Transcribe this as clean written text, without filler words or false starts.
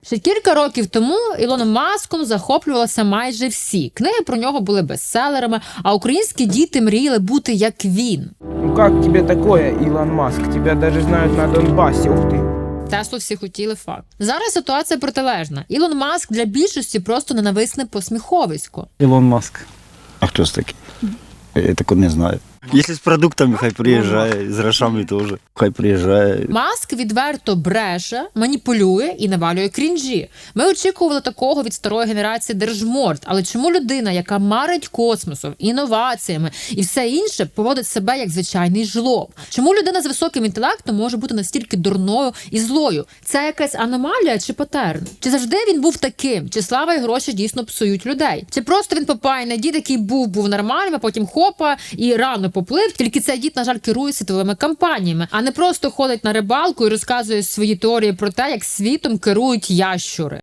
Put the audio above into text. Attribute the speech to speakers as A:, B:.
A: Ще кілька років тому Ілоном Маском захоплювалися майже всі. Книги про нього були бестселерами, а українські діти мріяли бути як він.
B: Ну как тебе такое, Илон Маск? Тебя даже знают на Донбассе, ух ты.
A: Теслу всі хотіли, факт. Зараз ситуація протилежна. Ілон Маск для більшості просто ненависне посміховисько.
C: Ілон Маск.
D: А хто це такий? Я такого не знаю.
C: Якщо з продуктами, хай приїжджає, з грошами теж. Хай приїжджає.
A: Маск відверто бреше, маніпулює і навалює крінжі. Ми очікували такого від старої генерації держморд, але чому людина, яка марить космосом, інноваціями і все інше, поводить себе як звичайний жлоб? Чому людина з високим інтелектом може бути настільки дурною і злою? Це якась аномалія чи патерн? Чи завжди він був таким? Чи слава і гроші дійсно псують людей? Чи просто він попайний дід, який був нормальним, а потім хопа і рано поплив, тільки цей дід, на жаль, керує світовими кампаніями, а не просто ходить на рибалку і розказує свої теорії про те, як світом керують ящури.